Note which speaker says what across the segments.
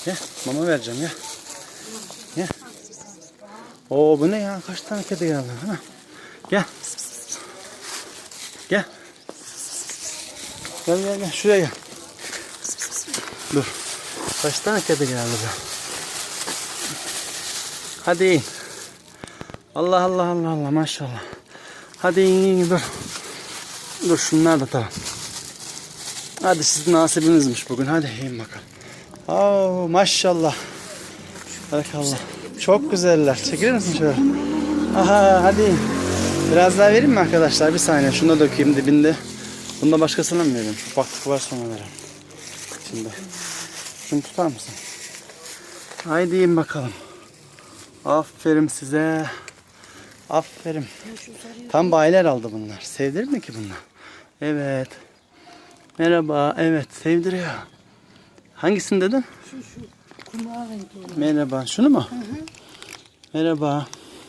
Speaker 1: Gel mama vereceğim ya. Gel. Oo bu ne ya? Kaç tane kedi geldi? Ha? Gel. Gel. Gel. Şuraya gel. Dur. Kaç tane kedi geldi be? Hadi in. Allah maşallah. Hadi in dur. Dur şunlar da tamam. Hadi sizin nasibinizmiş bugün. Hadi in bakalım. Oo maşallah. Barakallah. Çok güzeller. Çekilir misin şöyle? Aha hadi in. Biraz daha vereyim mi arkadaşlar? Bir saniye. Şunu da dökeyim dibinde. Bunu da başkasına mı vereyim? Ufaklık var sonra verelim. Şimdi. Şunu tutar mısın? Haydi in bakalım. Aferin size. Aferin. Tam bayiler aldı bunlar. Sevdirir mi ki bunlar? Evet. Merhaba. Evet. Sevdiriyor. Hangisini dedin?
Speaker 2: Şu kumral renkli olan.
Speaker 1: Merhaba. Şunu mu?
Speaker 2: Hı.
Speaker 1: Merhaba.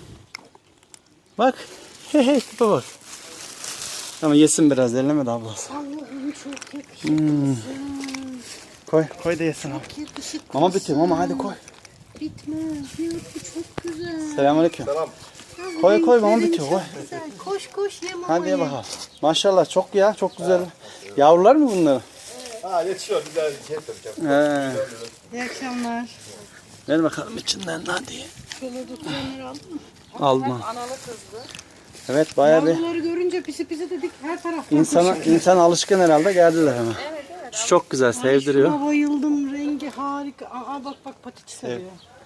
Speaker 1: Bak. Hey tipe bak. Ama yesin biraz. Elleme de ablası.
Speaker 2: Allah'ım çok yakışıklısın.
Speaker 1: Koy da yesin abi.
Speaker 2: Çok yakışıklısın.
Speaker 1: Mama bitiyor. Mama hadi koy.
Speaker 2: Bitmez. Yok bu çok güzel.
Speaker 1: Selamünaleyküm.
Speaker 3: Selam.
Speaker 1: Koy mama bitiyor. Koy.
Speaker 2: Güzel. Koş ye mamayı.
Speaker 1: Hadi ye bakalım. Maşallah çok ya. Çok güzel. Yavrular mı bunlar?
Speaker 3: Ha yetişiyor güzel şey yapacağım.
Speaker 1: He.
Speaker 2: İyi akşamlar.
Speaker 1: Ver bakalım içinden hadi.
Speaker 2: Şöyle tutturanları aldın mı?
Speaker 1: Aldım.
Speaker 4: Analı kızdı.
Speaker 1: Evet bayağı bir
Speaker 2: Yavruları görünce pisi dedik her taraftan
Speaker 1: insan alışkın herhalde geldiler hemen.
Speaker 4: Evet.
Speaker 1: Şu çok güzel sevdiriyor.
Speaker 2: Şuna bayıldım. Rengi harika. Aa bak patiç sarıyor.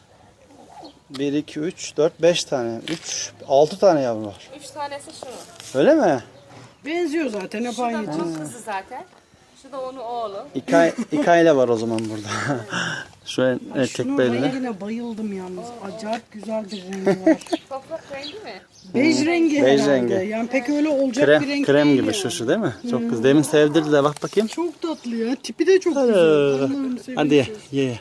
Speaker 1: 1, 2, 3, 4, 5 tane. 6 tane yavru var.
Speaker 4: 3 tanesi şu.
Speaker 1: Öyle mi?
Speaker 2: Benziyor zaten hep
Speaker 4: Şu da
Speaker 2: aynı.
Speaker 4: bunun kızı zaten. Şu da onun oğlu.
Speaker 1: İki aile var o zaman burada. Şu erkek
Speaker 2: Şunun
Speaker 1: belli.
Speaker 2: rengine bayıldım yalnız. Acayip güzel bir rengi var.
Speaker 4: Toprak rengi mi?
Speaker 2: Bej rengi
Speaker 1: Bej
Speaker 2: herhalde.
Speaker 1: rengi.
Speaker 2: Yani pek öyle olacak bir renk
Speaker 1: Krem
Speaker 2: değil
Speaker 1: gibi
Speaker 2: yani.
Speaker 1: şu değil mi? Çok güzel. Demin sevdirdi de bak bakayım.
Speaker 2: Çok tatlı ya. Tipi de çok güzel. Allah'ım
Speaker 1: Hadi ye.
Speaker 2: sevinçsiz.
Speaker 1: Ye.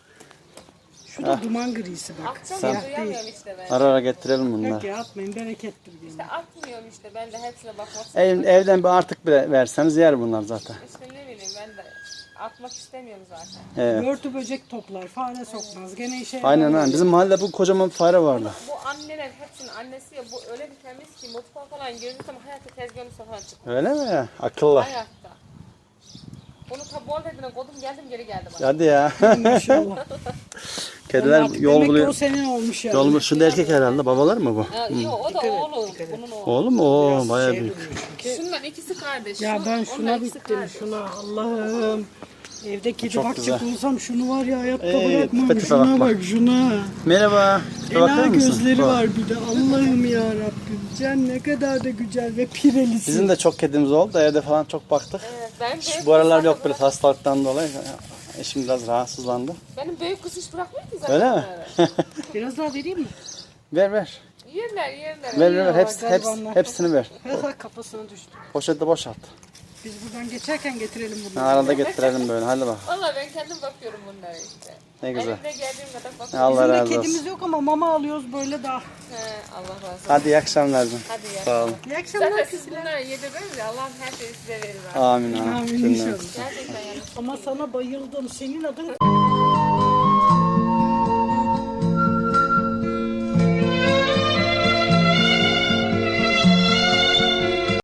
Speaker 2: Şu da duman grisi bak.
Speaker 4: Akşam
Speaker 2: Siyah
Speaker 4: duyamıyorum
Speaker 2: değil.
Speaker 4: işte ben.
Speaker 1: Ara getirelim
Speaker 2: Yok
Speaker 1: bunları.
Speaker 2: ya atmayın berekettir diyorum.
Speaker 4: İşte atmıyorum işte. Ben de hepsine bakmak
Speaker 1: Evden bir artık bile verseniz yer bunlar zaten.
Speaker 4: İşte ne bileyim ben de atmak istemiyorum zaten.
Speaker 1: Evet.
Speaker 2: Börtü böcek toplar, fare sokmaz. Gene işe
Speaker 1: Aynen
Speaker 2: yarar.
Speaker 1: aynen. Bizim mahallede bu kocaman fare vardı.
Speaker 4: Bu anneler hepsinin annesi ya bu öyle bir temiz ki mutfağa falan girdiysem hayatta tezgahın falan çıkıyor.
Speaker 1: Öyle mi? Akıllı.
Speaker 4: Hayatta. Onu tabi bol dediğine kodum geldim geri geldim.
Speaker 1: Hadi ya.
Speaker 2: Maşallah.
Speaker 1: Kediler
Speaker 2: Artık
Speaker 1: yol
Speaker 2: demek ki
Speaker 1: buluyor.
Speaker 2: o senin olmuş yani.
Speaker 1: Yol buluyor. Şu da erkek herhalde. Babalar mı bu?
Speaker 4: Yok o da oğlu. Bunun oğlu.
Speaker 1: Oğlum mu? Oo bayağı
Speaker 2: Şey
Speaker 1: büyük.
Speaker 2: duruyor çünkü.
Speaker 4: Şunlar ikisi kardeş.
Speaker 2: Ya ben
Speaker 4: Onlar
Speaker 2: şuna
Speaker 4: ikisi
Speaker 2: bittim.
Speaker 4: kardeş.
Speaker 2: Şuna Allah'ım. Evde kedi
Speaker 1: Çok
Speaker 2: bakacak
Speaker 1: güzel.
Speaker 2: olsam şunu var ya hayatta
Speaker 1: Evet,
Speaker 2: bırakmam.
Speaker 1: tipe
Speaker 2: Şuna
Speaker 1: bak.
Speaker 2: bak şuna.
Speaker 1: Merhaba. Bir bakar
Speaker 2: Ela
Speaker 1: mısın?
Speaker 2: gözleri
Speaker 1: Bak.
Speaker 2: var bir de. Allah'ım ya Rabbim. Can ne kadar da güzel ve pirelisin.
Speaker 1: Bizim de çok kedimiz oldu da evde falan çok baktık.
Speaker 4: Evet, benim büyük
Speaker 1: Bu aralar
Speaker 4: kız
Speaker 1: yok
Speaker 4: zaten
Speaker 1: biraz hastalıktan dolayı. Eşim biraz rahatsızlandı.
Speaker 4: Benim büyük kız hiç bırakmıyor ki zaten.
Speaker 1: Öyle mi?
Speaker 4: bunları.
Speaker 2: Biraz daha vereyim mi?
Speaker 1: Ver.
Speaker 4: Yerler.
Speaker 1: Ver.
Speaker 2: Ya, garibanlar.
Speaker 1: Hepsini ver.
Speaker 2: Kafasına düştü.
Speaker 1: Poşette boşalt.
Speaker 2: Biz buradan geçerken getirelim
Speaker 1: Ha,
Speaker 2: bunları.
Speaker 1: arada getirelim böyle. Hadi bak.
Speaker 4: Valla ben kendim bakıyorum bunlara işte.
Speaker 1: Ne güzel.
Speaker 4: Elimde geldiğim kadar bakıyorum.
Speaker 1: Allah
Speaker 2: Bizim de
Speaker 1: razı
Speaker 2: kedimiz
Speaker 1: olsun.
Speaker 2: yok ama mama alıyoruz böyle daha.
Speaker 4: He, Allah razı olsun.
Speaker 1: Hadi iyi akşamlar. canım.
Speaker 4: Hadi ya.
Speaker 1: Sağ olun.
Speaker 2: İyi akşamlar.
Speaker 4: Zaten siz bunları yedirmeniz ya Allah'ım her şeyi size verir. abi.
Speaker 1: Amin.
Speaker 2: Amin
Speaker 1: Cümle.
Speaker 2: inşallah.
Speaker 4: Gerçekten yani.
Speaker 2: Ama sana bayıldım. Senin adın